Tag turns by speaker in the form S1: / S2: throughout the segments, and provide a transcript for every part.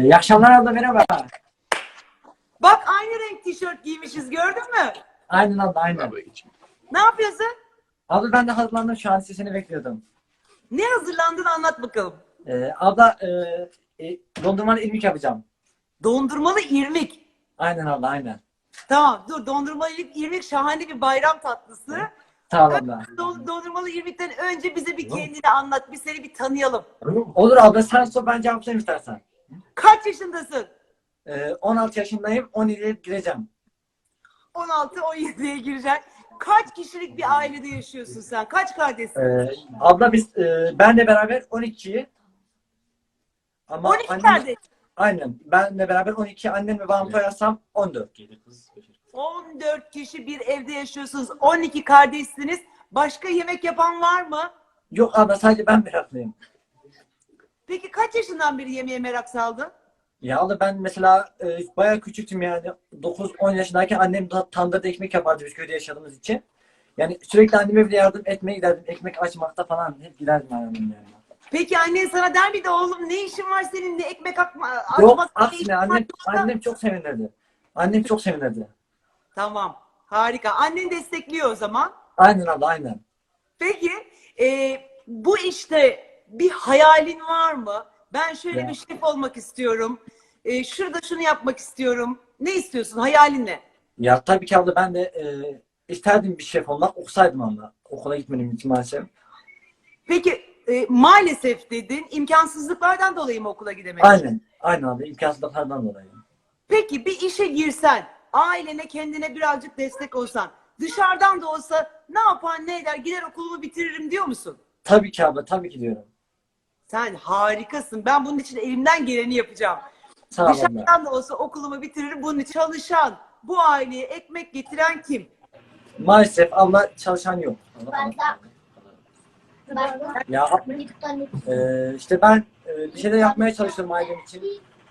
S1: İyi akşamlar abla, merhaba.
S2: Bak aynı renk tişört giymişiz, gördün mü?
S1: Aynen abla, aynen.
S2: Ne yapıyorsun?
S1: Abla ben de hazırlandım, şu an sesini bekliyordum.
S2: Ne hazırlandın, anlat bakalım.
S1: Abla dondurmalı irmik yapacağım.
S2: Dondurmalı irmik.
S1: Aynen abla, aynen.
S2: Tamam dur, dondurmalı irmik şahane bir bayram tatlısı.
S1: Sağ ol abla.
S2: Dondurmalı irmikten önce bize bir kendini anlat, biz seni bir tanıyalım.
S1: Olur abla, sen sor, ben cevaplayayım istersen.
S2: Kaç yaşındasın?
S1: 16 yaşındayım, 17'ye gireceğim.
S2: 16-17'ye gireceksin. Kaç kişilik bir ailede yaşıyorsun sen? Kaç kardeşsin?
S1: Abla biz benle beraber 12'yi. Ama
S2: 12
S1: annem,
S2: kardeş.
S1: aynen benle beraber 12, annem ve babam koyarsam 14.
S2: 14 kişi bir evde yaşıyorsunuz. 12 kardeşsiniz. Başka yemek yapan var mı?
S1: Yok abla, sadece ben meraklıyım.
S2: Peki kaç yaşından beri yemeğe merak saldın?
S1: Ya abla ben mesela bayağı küçüktüm yani. 9-10 yaşındayken annem tandırda ekmek yapardı biz köyde yaşadığımız için. Yani sürekli anneme bile yardım etmeye giderdim. Ekmek açmakta falan hep giderdim annemin yanına.
S2: Peki annen sana der miydi oğlum ne işin var senin, ne ekmek
S1: Yok
S2: açmak, ne işin
S1: aksine
S2: var yoksa-
S1: annem çok sevinirdi. Annem çok sevinirdi.
S2: Tamam, harika. Annen destekliyor o zaman.
S1: Aynen abla, aynen.
S2: Peki bu işte bir hayalin var mı? Ben şöyle
S1: Ya.
S2: bir şef olmak istiyorum. Şurada şunu yapmak istiyorum. Ne istiyorsun? Hayalin ne?
S1: Ya tabii ki abla, ben de isterdim bir şef olmak. Okusaydım abla. Okula gitmedim için maalesef.
S2: Peki maalesef dedin. İmkansızlıklardan dolayı mı okula gidemedin?
S1: Aynen. Aynen abla. İmkansızlıklardan dolayı.
S2: Peki bir işe girsen, ailene, kendine birazcık destek olsan, dışarıdan da olsa ne yapar, ne eder, gider okulumu bitiririm diyor musun?
S1: Tabii ki abla. Tabii ki diyorum.
S2: Sen harikasın. Ben bunun için elimden geleni yapacağım.
S1: Sağ ol abla.
S2: Dışarıdan da olsa okulumu bitiririm. Bunun için çalışan, bu aileye ekmek getiren kim?
S1: Maalesef abla, çalışan yok. Ya işte ben bir şeyler yapmaya çalışıyorum ailem için.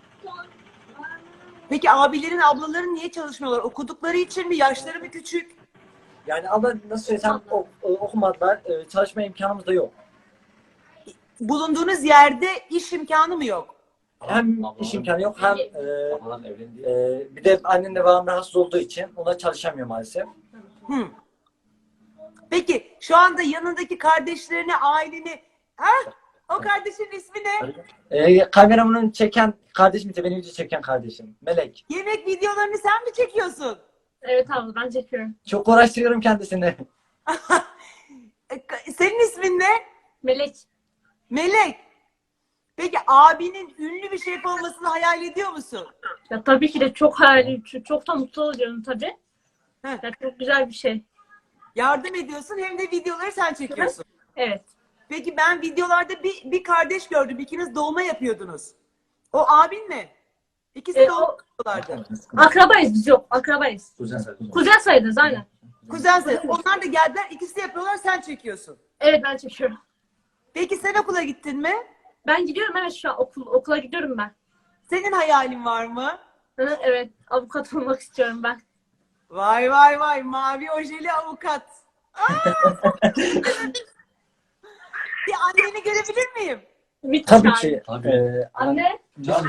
S2: Peki abilerin, ablaların niye çalışmıyorlar? Okudukları için mi? Yaşları mı küçük?
S1: Yani abla nasıl söylesem okumadılar. Çalışma imkanımız da yok.
S2: Bulunduğunuz yerde iş imkanı mı yok?
S1: Hem iş imkanı yok hem bir de annem de babam rahatsız olduğu için onlar çalışamıyor maalesef.
S2: Hı. Peki şu anda yanındaki kardeşlerini, aileni, o kardeşin ismi ne?
S1: Kameramın çeken kardeşim ise, beni video çeken kardeşim. Melek.
S2: Yemek videolarını sen mi çekiyorsun?
S3: Evet abla, ben çekiyorum.
S1: Çok uğraştırıyorum kendisini.
S2: Senin ismin ne?
S3: Melek.
S2: Melek. Peki abinin ünlü bir şef olmasını hayal ediyor musun?
S3: Ya tabii ki de çok hayali, çok da mutlu oluyorum tabii.
S2: Heh.
S3: Ya çok güzel bir şey.
S2: Yardım ediyorsun hem de videoları sen çekiyorsun.
S3: Evet.
S2: Peki ben videolarda bir kardeş gördüm. İkiniz dolma yapıyordunuz. O abin mi? İkisi dolma yapıyorlardı.
S3: Akrabayız biz, yok. Akrabayız. Kuzen sayılırız aynen.
S2: Kuzen sayı. Onlar da geldiler. İkisi de yapıyorlar. Sen çekiyorsun.
S3: Evet, ben çekiyorum.
S2: Peki sen okula gittin mi?
S3: Ben gidiyorum, evet, şu an okula gidiyorum ben.
S2: Senin hayalin var mı?
S3: Evet, avukat olmak istiyorum ben.
S2: Vay vay vay. Mavi ojeli avukat. Bir anneni görebilir miyim?
S3: Bir
S1: Tabii
S3: tane.
S1: ki.
S3: Anne.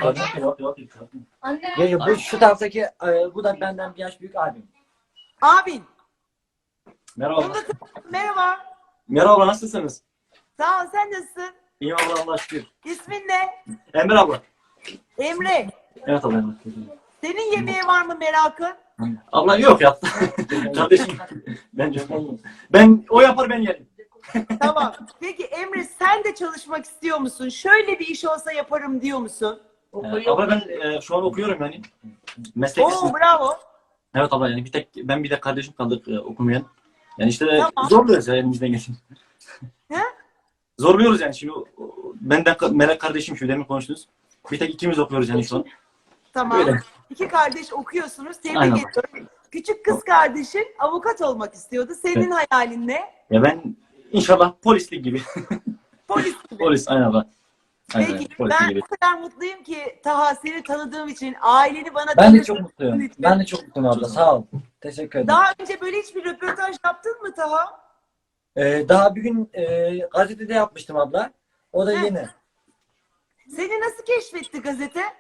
S3: Anne.
S1: Bu şu taraftaki bu da benden bir yaş büyük abim.
S2: Abin.
S4: Merhaba.
S2: Onu da merhaba.
S4: Merhaba, nasılsınız?
S2: Sağ ol. Sen nasılsın?
S4: İyi abla, Allah'a şükür.
S2: İsmin ne?
S4: Emre abla.
S2: Emre.
S4: Evet abla.
S2: Senin yemeğe var mı merakın?
S4: Abla yok ya. Kardeşim. Ben o yapar, ben yerim.
S2: Tamam. Peki Emre sen de çalışmak istiyor musun? Şöyle bir iş olsa yaparım diyor musun?
S4: Abla ben şu an okuyorum yani. Meslek
S2: Oo
S4: lisesi.
S2: bravo.
S4: Evet abla, yani ben bir de kardeşim kaldık okumayan. Yani işte
S2: Tamam.
S4: zorluyoruz ya elimizden gelsin.
S2: He?
S4: Zorluyoruz yani şimdi. Benden Melek kardeşim, şu demin konuştunuz. Bir tek ikimiz okuyoruz yani şu an.
S2: Tamam.
S4: Böyle.
S2: İki kardeş okuyorsunuz. Tebrik
S4: Aynen.
S2: ediyorum. Küçük kız kardeşin avukat olmak istiyordu. Senin hayalin ne?
S4: Ya ben inşallah polislik gibi.
S2: Polis gibi.
S4: Polis, aynen abla. Aynen,
S2: Peki
S4: polislik
S2: ben
S4: gibi.
S2: o kadar mutluyum ki Taha, seni tanıdığım için, aileni bana
S1: Ben de
S2: tanıdığın
S1: çok mutluyum.
S2: için.
S1: Ben de çok mutluyum abla. Sağ ol. Teşekkür ederim.
S2: Daha önce böyle hiçbir röportaj yaptın mı Taha?
S1: Daha bir gün gazetede yapmıştım abla. O da
S2: Heh.
S1: yeni.
S2: Seni nasıl keşfetti gazete?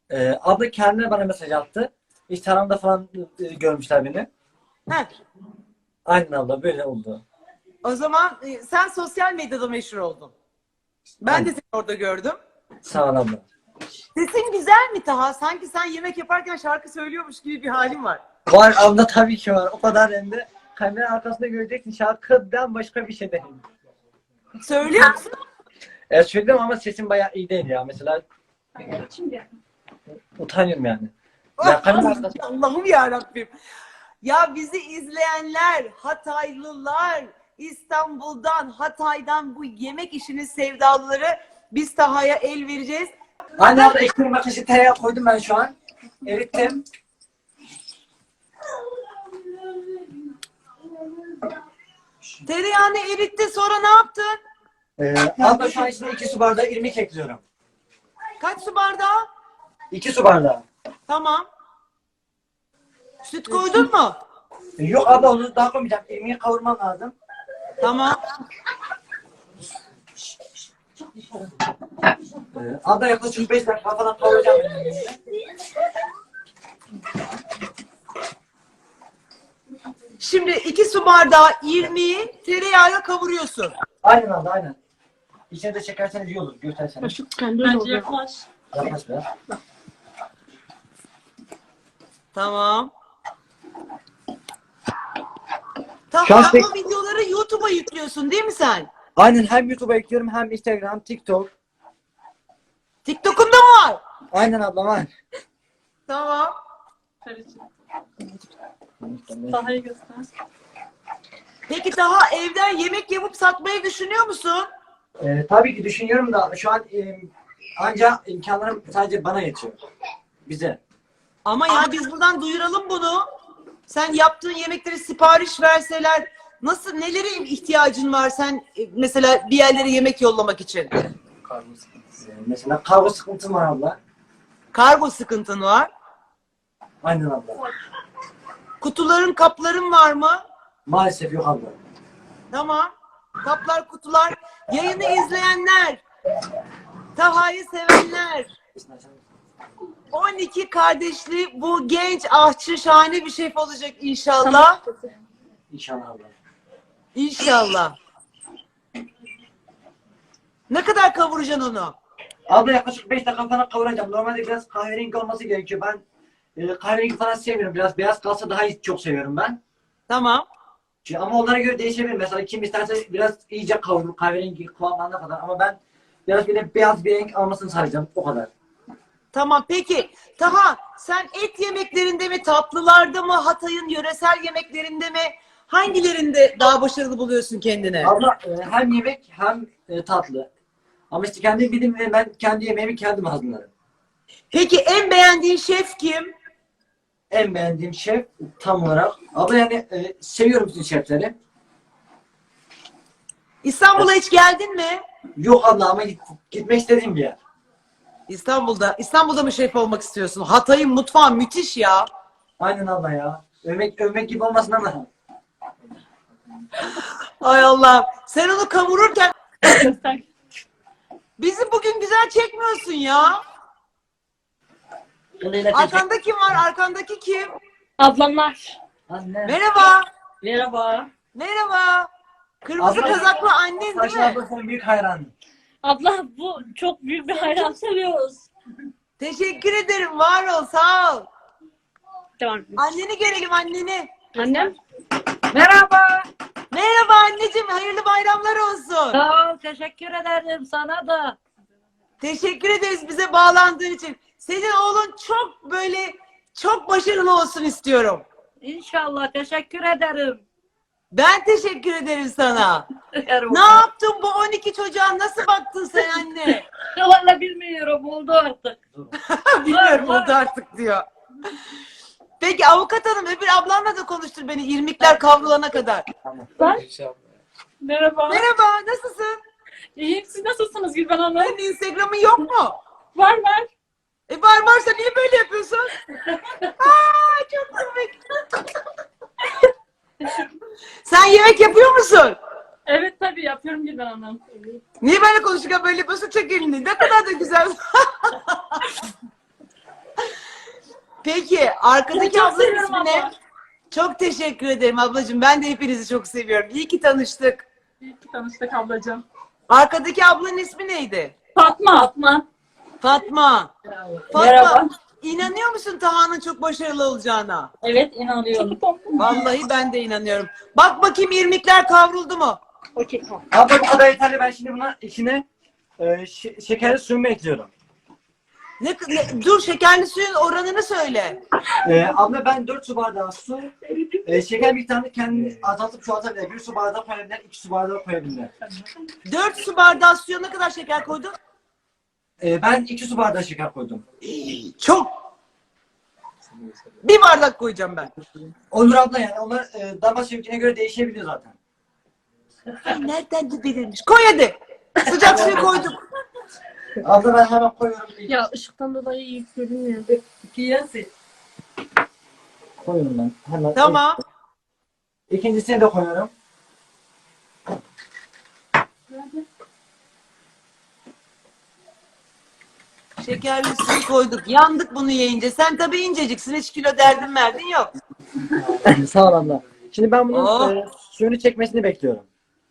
S1: Abla kendine bana mesaj attı. Instagram'da falan görmüşler beni.
S2: Heh.
S1: Aynen abla böyle oldu.
S2: O zaman sen sosyal medyada meşhur oldun. Ben de seni orada gördüm.
S1: Sağ ol abla.
S2: Sesin güzel mi Taha? Sanki sen yemek yaparken şarkı söylüyormuş gibi bir halin var.
S1: Var abla tabii ki var. O kadar hem de kamera arkasında göreceksin şarkıdan başka bir şey değil.
S2: Söylüyor musun?
S1: Söyledim ama sesim bayağı iyi değil ya. Mesela utanıyorum yani. Ya kamera arkasında.
S2: Allah'ım yarabbim. Ya bizi izleyenler, Hataylılar, İstanbul'dan, Hatay'dan bu yemek işinin sevdalıları biz Taha'ya el vereceğiz.
S1: Anne abla ekmeğin makinesi tereyağı koydum ben şu an. Erittim.
S2: Tereyağını eritti sonra ne yaptın?
S1: Abla şu an içine 2 su bardağı irmik ekliyorum.
S2: Kaç su bardağı?
S1: 2 su bardağı.
S2: Tamam. Süt koydun mu?
S1: Yok abla onu daha koymayacağım. İrmiği kavurmam lazım.
S2: Tamam.
S1: Abla yaklaşık 5 dakika falan kavuracağım. Ben.
S2: Şimdi 2 su bardağı irmiği tereyağıyla kavuruyorsun.
S1: Aynen abla aynen. İçine de çekerseniz iyi olur. Gösterseniz.
S3: Bence yaklaş.
S1: Yaklaş biraz.
S2: Tamam.
S1: Şu an
S2: Tamam,
S1: tek-
S2: bu videoları YouTube'a yüklüyorsun değil mi sen?
S1: Aynen hem YouTube'a ekliyorum hem Instagram, TikTok.
S2: TikTok'un da mı var?
S1: Aynen abla var.
S2: Tamam.
S3: Taha'yı göster.
S2: Peki daha evden yemek yapıp satmayı düşünüyor musun?
S1: Tabii ki düşünüyorum da şu an ancak imkanlarım sadece bana yetiyor. Bize.
S2: Ama ya biz buradan duyuralım bunu. Sen yaptığın yemekleri sipariş verseler nasıl nelere ihtiyacın var sen mesela bir yerlere yemek yollamak için?
S1: Mesela kargo sıkıntım var abla.
S2: Kargo sıkıntın var.
S1: Aynen abla.
S2: Kutuların, kapların var mı?
S1: Maalesef yok abla.
S2: Tamam. Kaplar, kutular. Yayını izleyenler, Taha'yı sevenler, 12 kardeşli bu genç aşçı şahane bir şef olacak inşallah.
S1: İnşallah abla.
S2: İnşallah. Ne kadar kavuracaksın onu?
S1: Abla yaklaşık 5 dakika falan kavuracağım. Normalde biraz kahverengi olması gerekiyor. Ben kahverengi falan sevmiyorum. Biraz beyaz kalsa daha iyi, çok seviyorum ben.
S2: Tamam.
S1: Ama onlara göre değişebilir. Mesela kim isterse biraz iyice kavurur kahverengi kıvamına kadar. Ama ben biraz böyle beyaz bir renk almasını sağlayacağım. O kadar.
S2: Tamam peki. Taha sen et yemeklerinde mi, tatlılarda mı, Hatay'ın yöresel yemeklerinde mi? Hangilerinde daha başarılı buluyorsun kendini?
S1: Abla hem yemek hem tatlı. Ama işte kendi bildiğim ve ben kendi yemeğimi kendim hazırlarım.
S2: Peki en beğendiğin şef kim?
S1: En beğendiğim şef tam olarak. Abla yani seviyorum bütün şefleri.
S2: İstanbul'a hiç geldin mi?
S1: Yok abla ama gitmek istediğim bir yer.
S2: İstanbul'da mı şef olmak istiyorsun? Hatay'ın mutfağı müthiş ya.
S1: Aynen abla ya. Övmek gibi olmasın ama.
S2: Ay Allah. Sen onu kavururken
S3: Göster.
S2: bizi bugün güzel çekmiyorsun ya. Arkanda kim var? Arkandaki kim?
S3: Ablamlar.
S1: Anne.
S2: Merhaba.
S3: Merhaba.
S2: Merhaba. Kırmızı
S1: Abla-
S2: kazaklı annen değil
S1: Saçlı
S2: mi?
S1: abla senin büyük hayranın.
S3: Abla bu çok büyük bir hayran seviyoruz.
S2: Teşekkür ederim. Var ol. Sağ ol.
S3: Tamam.
S2: Anneni görelim anneni.
S3: Annem.
S5: Merhaba.
S2: Merhaba anneciğim. Hayırlı bayramlar olsun.
S5: Sağ ol. Teşekkür ederim sana da.
S2: Teşekkür ederiz bize bağlandığın için. Senin oğlun çok başarılı olsun istiyorum.
S5: İnşallah. Teşekkür ederim.
S2: Ben teşekkür ederim sana.
S5: Ederim.
S2: Ne yaptın bu 12 çocuğa? Nasıl baktın sen anne?
S5: Valla bilmiyorum. Oldu artık.
S2: Bilmiyorum oldu artık diyor. Peki avukat hanım öbür ablanla da konuştur beni irmikler kavrulana kadar.
S3: Merhaba.
S2: Merhaba nasılsın?
S3: İyiyim. Siz nasılsınız Gülben Hanım?
S2: Senin Instagram'ın yok mu?
S3: Var.
S2: Varsa niye böyle yapıyorsun? Aa, çok komik. Sen yemek yapıyor musun?
S3: Evet tabii yapıyorum Gülben Hanım.
S2: Niye böyle konuşurken böyle yapıyorsun? Çek elini. Ne kadar da güzel. Peki arkadaki
S3: Çok
S2: ablanın
S3: seviyorum
S2: ismi ne?
S3: abla.
S2: Çok teşekkür ederim ablacığım. Ben de hepinizi çok seviyorum. İyi ki tanıştık.
S3: İyi ki tanıştık ablacığım.
S2: Arkadaki ablanın ismi neydi?
S3: Fatma. Fatma.
S2: Fatma. Fatma,
S3: Merhaba.
S2: inanıyor musun Taha'nın çok başarılı olacağına?
S3: Evet inanıyorum.
S2: Vallahi ben de inanıyorum. Bak bakayım irmikler kavruldu mu?
S3: Okey tamam.
S1: Abla bu kadar yeterli. Ben şimdi buna içine şekerli suyumu ekliyorum.
S2: Dur şekerli suyun oranını söyle.
S1: Abla ben 4 su bardağı su, şeker miktarını kendini azaltıp çoğaltabilir. 1 su bardağı koyabilir, 2 su bardağı koyabilir.
S2: 4 su bardağı suya ne kadar şeker koydun?
S1: Ben 2 su bardağı şeker koydum.
S2: Çok. Bir bardak koyacağım ben.
S1: Olur abla yani onlar damak zevkine göre değişebiliyor zaten.
S2: Ay, nereden de belirmiş. Koy hadi. Sıcak suyu koyduk.
S1: Abla ben hemen koyuyorum.
S3: Ya ışıktan dolayı iyi görünmüyor.
S1: Koyuyorum ben. Hemen.
S2: Tamam.
S1: İkincisini de koyuyorum.
S2: Şekerli suyu koyduk. Yandık bunu yiyince. Sen tabii inceciksin. Hiç kilo derdin verdin yok.
S1: Sağ ol abla. Şimdi ben bunun
S2: Oh.
S1: suyunu çekmesini bekliyorum.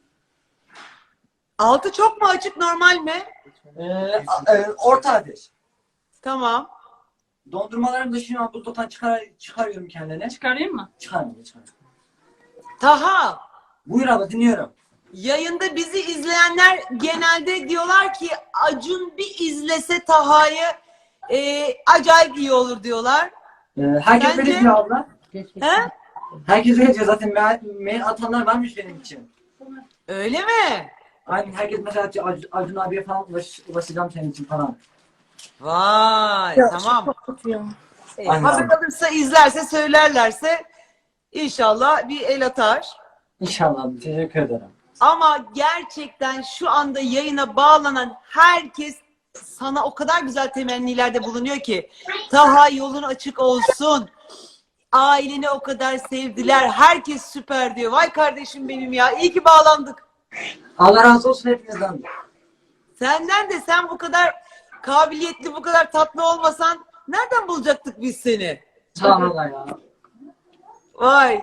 S2: Altı çok mu açık normal mi?
S1: Orta ateş.
S2: Tamam.
S1: Dondurmalarımı da şimdi buzdolaptan çıkarıyorum kendine.
S3: Çıkarayım mı?
S1: Çıkarmıyorum.
S2: Taha.
S1: Buyur abla dinliyorum.
S2: Yayında bizi izleyenler genelde diyorlar ki Acun bir izlese Taha'yı acayip iyi olur diyorlar.
S1: Herkes
S2: Bence-
S1: öyle diyor abla.
S2: He?
S1: Herkes öyle diyor zaten. Mail atanlar varmış benim için.
S2: Öyle mi?
S1: Aynen herkes mesela Acun abiye falan ulaşacağım senin için falan.
S2: Vay tamam.
S1: Aynen.
S2: Hazır kalırsa izlerse söylerlerse inşallah bir el atar.
S1: İnşallah abi. Teşekkür ederim.
S2: Ama gerçekten şu anda yayına bağlanan herkes sana o kadar güzel temennilerde bulunuyor ki Taha yolun açık olsun. Aileni o kadar sevdiler. Herkes süper diyor. Vay kardeşim benim ya. İyi ki bağlandık.
S1: Allah razı olsun hepinizden.
S2: Senden de sen bu kadar kabiliyetli, bu kadar tatlı olmasan nereden bulacaktık biz seni?
S1: Sağ ol Allah ya.
S2: Vay.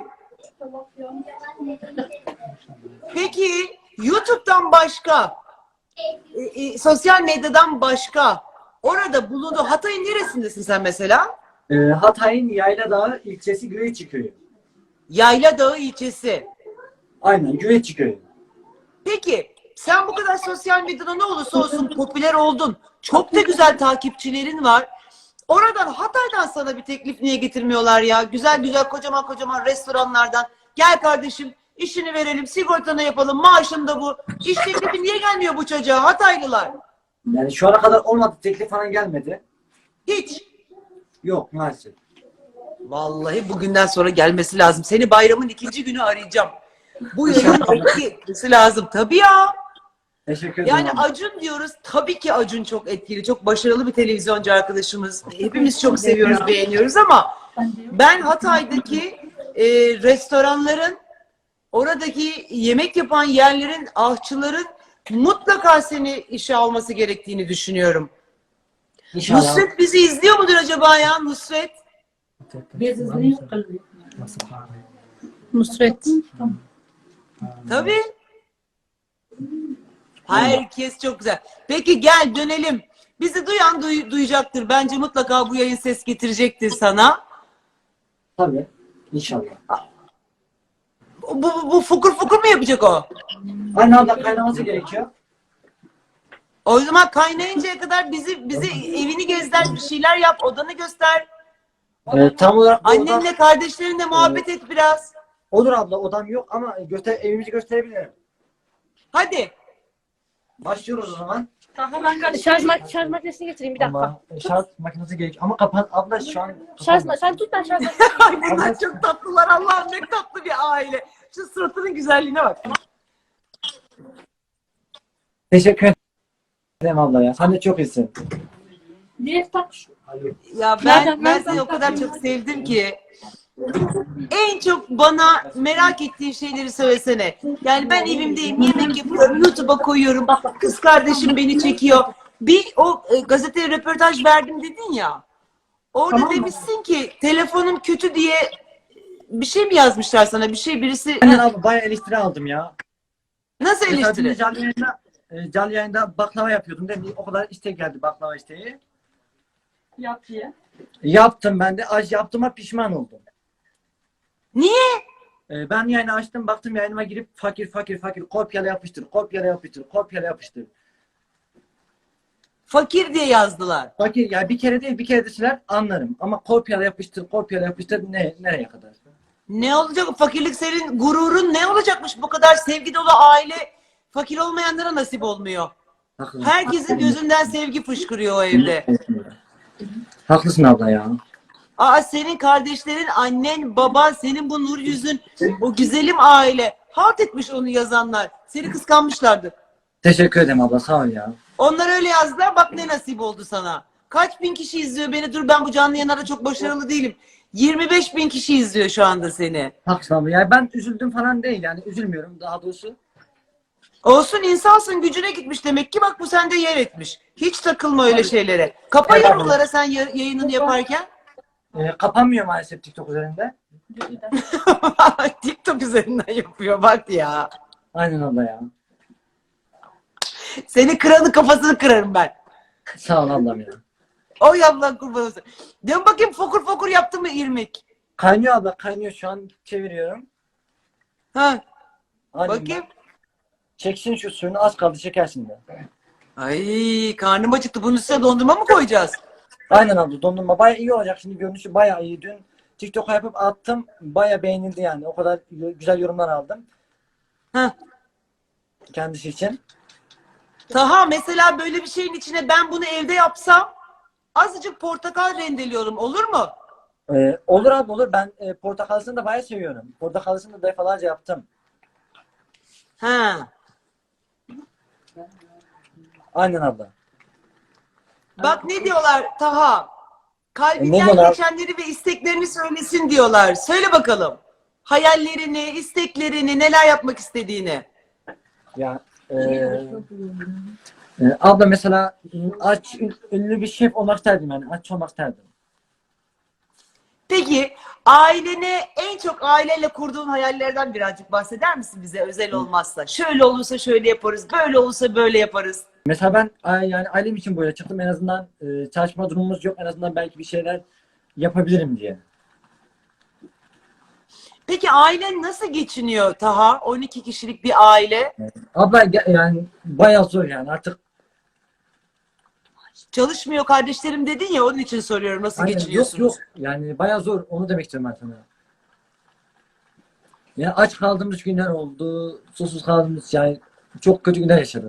S2: Peki YouTube'dan başka, sosyal medyadan başka orada bulundu. Hatay'ın neresindesin sen mesela?
S1: Hatay'ın Yayladağ ilçesi Güveççi köyü.
S2: Yayladağ ilçesi.
S1: Aynen Güveççi köyü.
S2: Peki sen bu kadar sosyal medyada ne olursa olsun popüler oldun. Çok da güzel takipçilerin var. Oradan Hatay'dan sana bir teklif niye getirmiyorlar ya? Güzel güzel kocaman kocaman restoranlardan. Gel kardeşim işini verelim, sigortanı yapalım, maaşın da bu. İş teklifi niye gelmiyor bu çocuğa Hataylılar?
S1: Yani şu ana kadar olmadı. Teklif falan gelmedi.
S2: Hiç.
S1: Yok maalesef.
S2: Vallahi bugünden sonra gelmesi lazım. Seni bayramın 2. günü arayacağım. Bu yayın etkisi lazım. Tabii ya.
S1: Teşekkür ederim.
S2: Yani
S1: abi.
S2: Acun diyoruz. Tabii ki Acun çok etkili. Çok başarılı bir televizyoncu arkadaşımız. Hepimiz çok seviyoruz, beğeniyoruz ama ben Hatay'daki restoranların, oradaki yemek yapan yerlerin, aşçıların mutlaka seni işe alması gerektiğini düşünüyorum.
S1: İnşallah.
S2: Nusret bizi izliyor mudur acaba ya Nusret?
S3: Biz izleyiz. Nusret.
S2: Tabii. Herkes çok güzel. Peki gel dönelim. Bizi duyan duyacaktır. Bence mutlaka bu yayın ses getirecektir sana.
S1: Tabii. İnşallah.
S2: Bu fukur fukur mu yapacak o?
S1: Aynen abla kaynaması gerekiyor.
S2: O zaman kaynayıncaya kadar bizi evini gezdir, bir şeyler yap, odanı göster.
S1: Tam olarak bu odam-
S2: Annenle kardeşlerinle muhabbet et biraz.
S1: olur abla odam yok ama evimizi gösterebilirim.
S2: Hadi.
S1: Başlıyoruz o zaman.
S3: Daha ben kaç...
S5: Şarj makinesini getireyim bir dakika.
S1: Ama şarj makinesi gerekiyor. Ama kapat abla şu an.
S5: Sen tut ben şarj
S2: Ay bunlar çok tatlılar. Allah'ım ne tatlı bir aile. Şu suratının güzelliğine bak.
S1: Teşekkür ederim abla ya. Sen de çok iyisin.
S3: Niye tak?
S2: Ya ben seni o kadar çok sevdim ki. En çok bana merak ettiğin şeyleri söylesene. Yani ben evimdeyim, yemek yapıyorum, YouTube'a koyuyorum. Kız kardeşim beni çekiyor. Bir o gazeteye röportaj verdim dedin ya. Orada
S3: Tamam mı?
S2: demişsin ki telefonum kötü diye bir şey mi yazmışlar sana? Birisi
S1: Aynen abi bayağı eleştiri aldım ya.
S2: nasıl
S1: Mesela dün de
S2: eleştiri?
S1: canlı yayında baklava yapıyordum değil mi? O kadar istek geldi baklava isteği.
S3: Yap diye.
S1: Yaptım ben de. Yaptığıma pişman oldum.
S2: Niye?
S1: Ben yayını açtım baktım yayınıma girip fakir kopyala yapıştır kopyala yapıştır.
S2: Fakir diye yazdılar.
S1: Fakir ya bir kere değil bir kere deseler anlarım. Ama kopyala yapıştır nereye kadar?
S2: Ne olacak? Fakirlik senin gururun ne olacakmış? Bu kadar sevgi dolu aile fakir olmayanlara nasip olmuyor.
S1: Haklısın.
S2: Herkesin gözünden sevgi fışkırıyor o evde.
S1: Haklısın abla ya.
S2: Aa, senin kardeşlerin, annen, baban, senin bu nur yüzün, o güzelim aile. Halt etmiş onu yazanlar. Seni kıskanmışlardır.
S1: Teşekkür ederim abla sağ ol ya.
S2: Onlar öyle yazdılar. Bak ne nasip oldu sana. Kaç bin kişi izliyor beni? Dur, ben bu canlı yayınlarda çok başarılı değilim. 25 bin kişi izliyor şu anda seni.
S1: Haklısın abla. Yani ben üzüldüm falan değil yani üzülmüyorum daha doğrusu.
S2: Olsun, insansın, gücüne gitmiş demek ki. Bak bu sende yer etmiş. Hiç takılma öyle şeylere. Kapa yorumlara sen yayınını yaparken.
S1: Kapanmıyor maalesef TikTok üzerinde.
S2: TikTok üzerinden yapıyor bak ya.
S1: Aynen abla ya.
S2: Seni kıranın kafasını kırarım ben.
S1: Sağ ol ablam ya.
S2: Oy Allah kurban olsun. Dön bakayım, fokur fokur yaptın mı irmik?
S1: Kaynıyor abla kaynıyor şu an çeviriyorum.
S2: Ha,
S1: Aynen
S2: bakayım.
S1: Çeksin şu suyunu az kaldı çekersin de.
S2: Ay, karnım acıktı. Bunun üstüne dondurma mı koyacağız?
S1: Aynen abla dondurma bayağı iyi olacak şimdi görünüşü bayağı iyi. Dün TikTok'a yapıp attım bayağı beğenildi yani o kadar güzel yorumlar aldım.
S2: Ha.
S1: Kendisi için.
S2: Taha, mesela böyle bir şeyin içine ben bunu evde yapsam azıcık portakal rendeliyorum, olur mu?
S1: Olur abi olur ben portakalısını da bayağı seviyorum. Portakalısını da defalarca yaptım.
S2: Ha.
S1: Aynen abla.
S2: Bak ne diyorlar Taha?
S1: Ne
S2: Kalbinden
S1: diyorlar?
S2: geçenleri ve isteklerini söylesin diyorlar. Söyle bakalım. Hayallerini, isteklerini, neler yapmak istediğini.
S1: Ya abla mesela ünlü bir şef olmak isterdim yani aç olmak isterdim.
S2: Peki ailene, en çok aileyle kurduğun hayallerden birazcık bahseder misin bize, özel olmazsa? Şöyle olursa şöyle yaparız, böyle olursa böyle yaparız.
S1: Mesela ben yani ailem için böyle çıktım en azından çalışma durumumuz yok en azından belki bir şeyler yapabilirim diye.
S2: Peki ailen nasıl geçiniyor Taha? 12 kişilik bir aile.
S1: Abla yani bayağı zor yani artık.
S2: Çalışmıyor kardeşlerim dedin ya, onun için soruyorum, nasıl
S1: Aynen,
S2: geçiniyorsunuz?
S1: yok yani bayağı zor onu demek istiyorum ben sana. Yani aç kaldığımız günler oldu, susuz kaldığımız yani çok kötü günler yaşadık.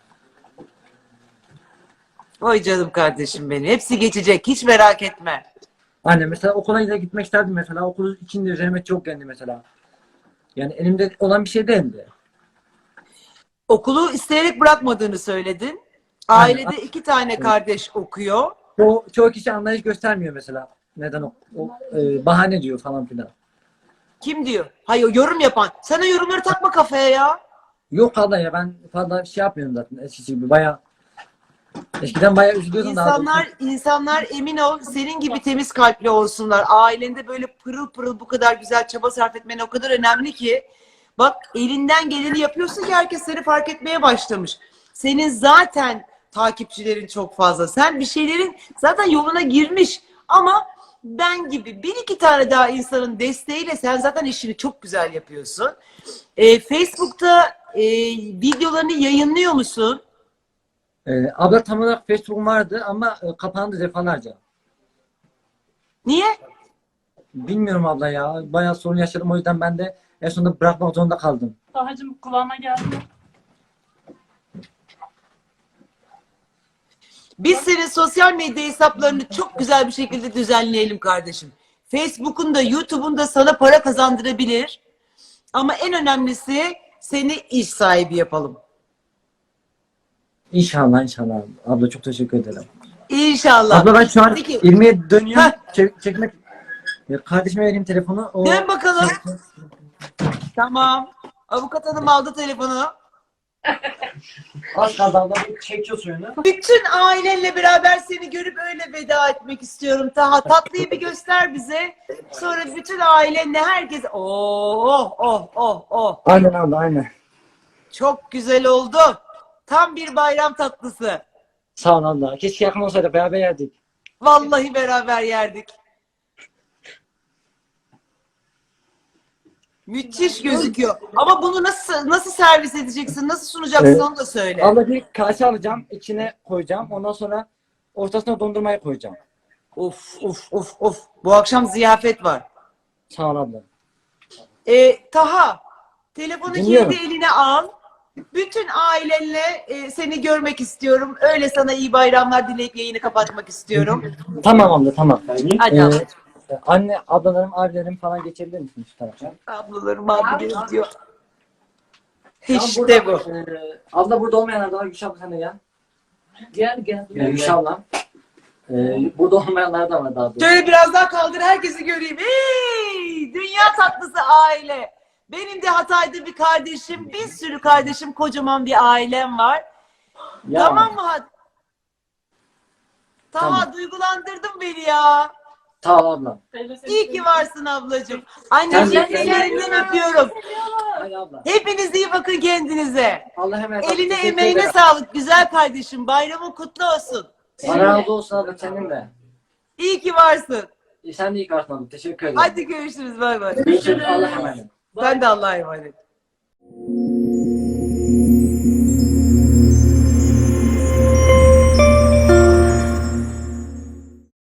S2: Vay canım kardeşim benim. Hepsi geçecek. Hiç merak etme.
S1: Aynen mesela okula da gitmek isterdim mesela okul içinde üzerime çok geldi mesela. Yani elimde olan bir şey değildi.
S2: Okulu isteyerek bırakmadığını söyledin.
S1: Aynen.
S2: Ailede 2 tane kardeş okuyor.
S1: Çoğu kişi anlayış göstermiyor mesela. Neden bahane diyor falan filan.
S2: Kim diyor? Hayır, yorum yapan. Sen o yorumları takma kafaya ya.
S1: Yok abla ya ben fazla şey yapmıyorum zaten eskisi gibi bayağı. Eskiden bayağı üzülüyordum daha doğrusu.
S2: İnsanlar emin ol senin gibi temiz kalpli olsunlar. Ailende böyle pırıl pırıl bu kadar güzel çaba sarf etmen o kadar önemli ki. Bak, elinden geleni yapıyorsun ki herkes seni fark etmeye başlamış. Senin zaten takipçilerin çok fazla. Sen bir şeylerin zaten yoluna girmiş. Ama ben gibi bir iki tane daha insanın desteğiyle sen zaten işini çok güzel yapıyorsun. Facebook'ta videolarını yayınlıyor musun?
S1: Abla tam olarak Facebook'um vardı ama kapandı defalarca.
S2: Niye?
S1: Bilmiyorum abla ya. Bayağı sorun yaşadım o yüzden ben de en sonunda bırakmak zorunda kaldım.
S3: Tahacığım kulağına geldi mi?
S2: Biz senin sosyal medya hesaplarını çok güzel bir şekilde düzenleyelim kardeşim. Facebook'un da YouTube'un da sana para kazandırabilir. Ama en önemlisi seni iş sahibi yapalım.
S1: İnşallah. Abla çok teşekkür ederim.
S2: İnşallah.
S1: Abla ben şu an
S2: Peki.
S1: ilmeğe dönüyorum.
S2: Heh.
S1: Çekmek. Kardeşime vereyim telefonu.
S2: Dön bakalım. Tamam. Avukat hanım aldı telefonu.
S1: Az kaldı abla, bir çekiyor suyunu.
S2: Bütün ailenle beraber seni görüp öyle veda etmek istiyorum Taha. Tatlıyı bir göster bize. Sonra bütün ailenle herkes oh.
S1: Aynen abla, aynen.
S2: Çok güzel oldu. Tam bir bayram tatlısı.
S1: Sağ ol abla. Keşke yakın olsaydı, beraber yerdik.
S2: Vallahi beraber yerdik. Müthiş gözüküyor. Ama bunu nasıl servis edeceksin? Nasıl sunacaksın onu da söyle.
S1: Abla bir kase alacağım, içine koyacağım. Ondan sonra ortasına dondurmayı koyacağım.
S2: Of. Bu akşam ziyafet var.
S1: Sağ ol abla.
S2: Taha, telefonu
S1: Dinliyorum.
S2: kendi eline al. Bütün ailenle seni görmek istiyorum. Öyle sana iyi bayramlar dileyip yayını kapatmak istiyorum.
S1: Tamam abla, tamam.
S2: Hadi ablacığım.
S1: Anne, ablalarım, abilerim falan geçebilir misin şu tarafa?
S2: Ablalarım abilerim diyor.
S1: Tamam,
S2: İşte bu.
S1: Abla burada olmayanlar da var. Gülşah abla sen de gel.
S3: Gel.
S1: Gülşah abla. Burada olmayanlar da var daha doğrusu.
S2: Şöyle biraz daha kaldır herkesi göreyim. Hey! Dünya tatlısı aile. Benim de Hatay'da bir kardeşim, bir sürü kardeşim, kocaman bir ailem var.
S1: Ya,
S2: Tamam mı? Taha
S1: Tamam.
S2: duygulandırdın beni ya.
S1: Sağ ol abla.
S2: İyi ki varsın ablacığım.
S1: Sen
S2: Anneciğim
S1: de-
S2: ellerinden öpüyorum.
S1: Hadi abla.
S2: Hepiniz iyi bakın kendinize.
S1: Allah hemen.
S2: Eline
S1: Teşekkür
S2: emeğine
S1: ederim.
S2: sağlık güzel kardeşim. Bayramın kutlu olsun.
S1: Allah razı olsun abla, senin de.
S2: İyi ki varsın.
S1: Sen de iyi kartın abla. Teşekkür ederim.
S2: Hadi görüşürüz. Bay bay.
S1: Görüşürüz. Allah'a emanet.
S2: Sen de Allah'a emanet.